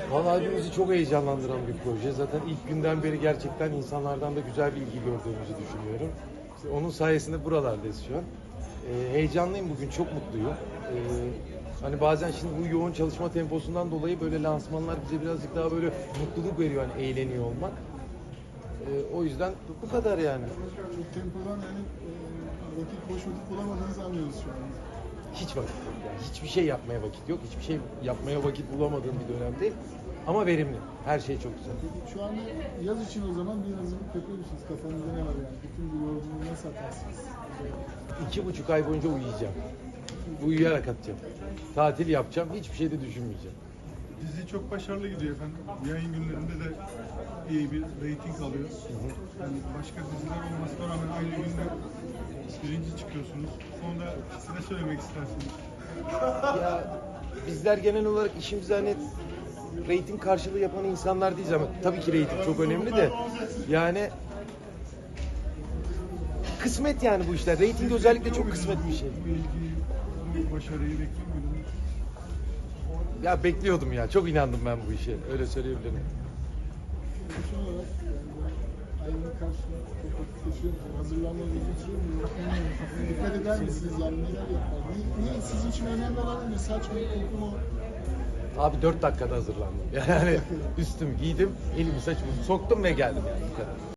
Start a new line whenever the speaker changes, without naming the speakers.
Vallahi hepimizi çok heyecanlandıran bir proje. Zaten ilk günden beri gerçekten insanlardan da güzel bir ilgi gördüğümüzü düşünüyorum. İşte onun sayesinde buralardayız şu an. Heyecanlıyım bugün, çok mutluyum. Hani bazen şimdi bu yoğun çalışma temposundan dolayı böyle lansmanlar bize birazcık daha böyle mutluluk veriyor, hani eğleniyor olmak. O yüzden bu kadar yani.
Çok tempodan yani boş vakit bulamadığınızı anlıyoruz şu an.
Hiç vakit yok yani. Hiçbir şey yapmaya vakit yok. Hiçbir şey yapmaya vakit bulamadığım bir dönemdeyim. Ama verimli. Her şey çok güzel.
Peki şu anda yaz için o zaman bir hazırlık yapıyor musunuz? Kafanızda ne var yani? Bütün bu yorgunluğu nasıl atarsınız?
2,5 ay boyunca uyuyacağım. Uyuyarak atacağım. Tatil yapacağım. Hiçbir şey de düşünmeyeceğim.
Dizi çok başarılı gidiyor efendim. Yayın günlerinde de iyi bir reyting alıyor. Yani başka diziler olmasına rağmen aynı günde birinci çıkıyorsunuz. Bu konuda siz ne söylemek istersiniz?
Ya bizler genel olarak işimizi hani reyting karşılığı yapan insanlar değiliz ama tabii ki reyting çok önemli de yani kısmet yani bu işler. Reyting özellikle çok kısmet bir şey.
Bu ilgiyi, bu başarıyı bekliyor muydunuz?
Ya bekliyordum ya. Çok inandım ben bu işe. Öyle söyleyebilirim.
Son olarak ayının karşısında çok vakit geçiriyor musunuz? Hazırlanmanız uzun sürüyor mu? Dikkat eder misiniz yani neler yapar? Niye sizin için önemli olan ne? Saç mı, koku mu?
Abi 4 dakikada hazırlandım. Yani üstümü giydim, elimi saçımı soktum ve geldim yani bu kadar.